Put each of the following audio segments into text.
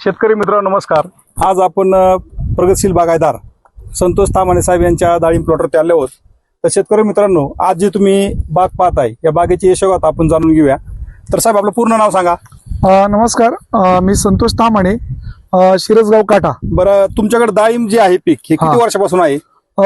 शेतकरी मित्रांनो नमस्कार। आज आपण प्रगतशील बागायतदार संतोष तामाणे साहेब यांच्या डाळिंब प्लॉटवरती आले आहोत। तर शेतकरी मित्रांनो, आज जी तुम्ही बाग पाहताय या बागेची यशोगाथ आपण जाणून घेऊया। तर साहेब आपलं पूर्ण नाव सांगा। नमस्कार, मी संतोष तामाणे, शिरसगाव काटा। बरं, तुमच्याकडे डाळिंब जे आहे पीक हे किती वर्षापासून आहे?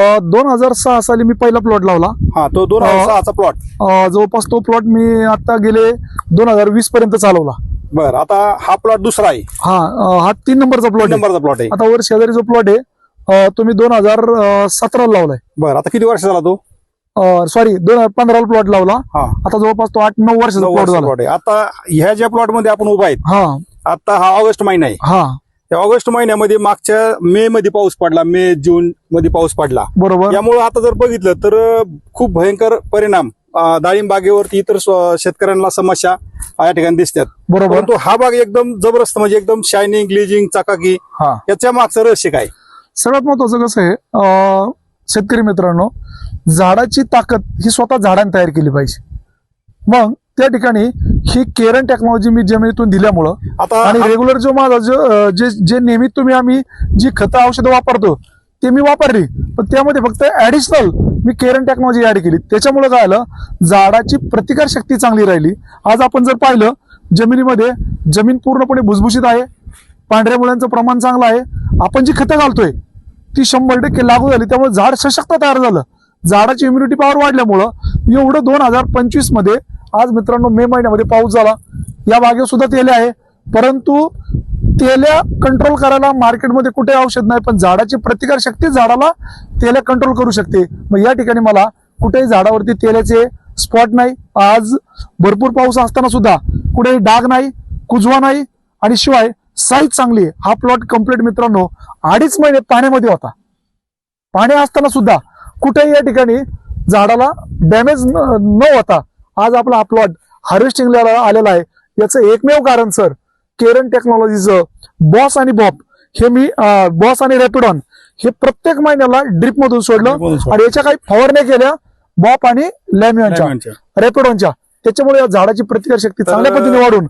2006 साली मी पहिला प्लॉट लावला। हा, तो 2006 चा प्लॉट। जवळपास तो प्लॉट मी आता गेले 2020 पर्यंत चालवला। बरं, आता हा प्लॉट दुसरा आहे। हा 3 नंबरचा प्लॉट आहे। आता वर शेजारी जो प्लॉट आहे तो मी 2017 लावलाय। बरं, आता किती वर्ष झाला तो? सॉरी 2015 प्लॉट लावला। हा, आता जवळपास तो 8-9 वर्षाचा प्लॉट झाला। आता ह्या ज्या प्लॉट मध्ये आपण उभा आहेत, आता हा ऑगस्ट महिना आहे। या ऑगस्ट महिन्यामध्ये मागच्या मे मध्ये पाऊस पडला, मे जून मध्ये पाऊस पडला, बरोबर। यामुळे आता जर बघितलं तर खूप भयंकर परिणाम डाळिंब बागेवरती इतर शेतकऱ्यांना समस्या या ठिकाणी दिसतात, बरोबर। परंतु हा बाग एकदम जबरदस्त, म्हणजे एकदम शायनिंग, ग्लेजिंग, चकाकी, याच्या मागचं रहस्य काय? सगळ्यात महत्वाचं कसं आहे शेतकरी मित्रांनो, झाडाची ताकद ही स्वतः झाडाने तयार केली पाहिजे। मग त्या ठिकाणी ही केरन टेक्नॉलॉजी मी जमिनीतून दिल्यामुळं आता आणि रेग्युलर जो माझा जे नेहमी आम्ही जी खतं औषधं वापरतो ते मी वापरली, पण त्यामध्ये फक्त ऍडिशनल मी केरन टेक्नॉलॉजी ऍड केली। त्याच्यामुळे काय आलं, झाडाची प्रतिकार शक्ती चांगली राहिली। आज आपण जर पाहिलं जमिनीमध्ये जमीन पूर्णपणे भुसभुशीत आहे, पांढऱ्या मुळ्यांचं प्रमाण चांगलं आहे। आपण जी खतं घालतोय ती 100% लागू झाली, त्यामुळे झाड सशक्त तयार झालं। झाडाची इम्युनिटी पॉवर वाढल्यामुळं एवढं 2025 मध्ये आज मित्रांनो मे महिन्यामध्ये पाऊस झाला। या बागेवर सुद्धा तेले आहे, परंतु तेल्या कंट्रोल करायला मार्केटमध्ये कुठे औषध नाही, पण झाडाची प्रतिकार शक्ती झाडाला तेल्या कंट्रोल करू शकते। मग या ठिकाणी मला कुठेही झाडावरती तेल्याचे स्पॉट नाही। आज भरपूर पाऊस असताना सुद्धा कुठेही डाग नाही, कुजवा नाही, आणि शिवाय साईज चांगली आहे। हा प्लॉट कम्प्लीट मित्रांनो 2.5 महिने पाण्यामध्ये होता। पाणी असताना सुद्धा कुठेही या ठिकाणी झाडाला डॅमेज न होता आज आपला हा प्लॉट हार्वेस्टिंगला आलेला आहे। याचं एकमेव कारण सर केरन टेक्नॉलॉजीचं बॉस आणि बॉप हे मी बॉस आणि रॅपिडॉन हे प्रत्येक महिन्याला ड्रिप मधून सोडलं, आणि याच्या काही फवारण्या केल्या बॉप आणि लॅमियनच्या रॅपिडॉनच्या, त्याच्यामुळे या झाडाची प्रतिकार शक्ती चांगल्या पद्धतीने वाढून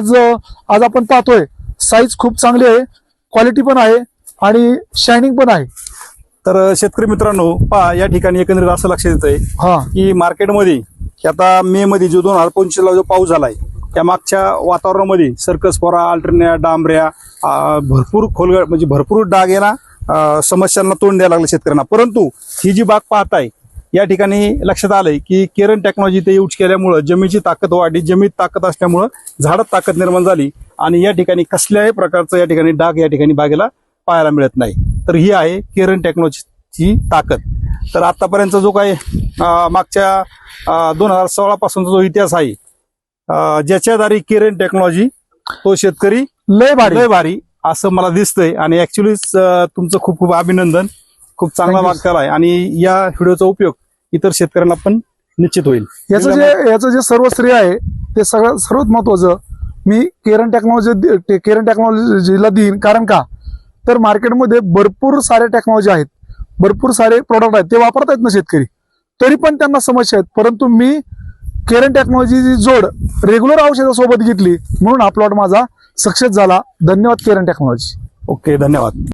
आज आपण पाहतोय साईज खूप चांगली आहे, क्वालिटी पण आहे आणि शायनिंग पण आहे। तर शेतकरी मित्रांनो पहा, या ठिकाणी एकंदरीत असं लक्षात येतंय की मार्केटमध्ये आता मे मध्ये जो 2025 ला जो पाऊस झालाय, त्या मागच्या वातावरणामध्ये सर्कस फोरा, अल्टरनेट, डांबऱ्या, भरपूर खोलगड, म्हणजे भरपूर डाग याला समस्यांना तोंड द्यायला लागलं शेतकऱ्यांना। परंतु ही जी बाग पाहताय या ठिकाणी लक्षात आलंय की केरन टेक्नॉलॉजी ते यूज केल्यामुळं जमिनीची ताकद वाढली, जमिनीत ताकद असल्यामुळं झाडात ताकद निर्माण झाली, आणि या ठिकाणी कसल्याही प्रकारचं या ठिकाणी डाग या ठिकाणी बागेला पाहायला मिळत नाही। तर ही आहे केरन टेक्नॉलॉजीची ताकद। तर आतापर्यंत जो काही मागच्या 2016 पासूनचा जो इतिहास आहे, ज्याच्या दारी केरन टेक्नॉलॉजी तो शेतकरी लय भारी असं मला दिसतंय। आणि ऍक्च्युली तुमचं खूप खूप अभिनंदन, खूप चांगला भाग केलाय, आणि या व्हिडिओचा उपयोग इतर शेतकऱ्यांना पण निश्चित होईल। याचं जे सर्व श्रेय आहे ते सर्वात महत्वाचं मी केरन टेक्नॉलॉजीला देईन। कारण का तर मार्केटमध्ये भरपूर सारे टेक्नॉलॉजी आहेत, भरपूर सारे प्रोडक्ट आहेत, ते वापरत आहेत ना शेतकरी, तरी पण त्यांना समस्या आहेत। परंतु मी केरन टेक्नॉलॉजीची जोड रेग्युलर औषधासोबत घेतली, म्हणून हा प्लॉट माझा सक्सेस झाला। धन्यवाद केरन टेक्नॉलॉजी। ओके, धन्यवाद।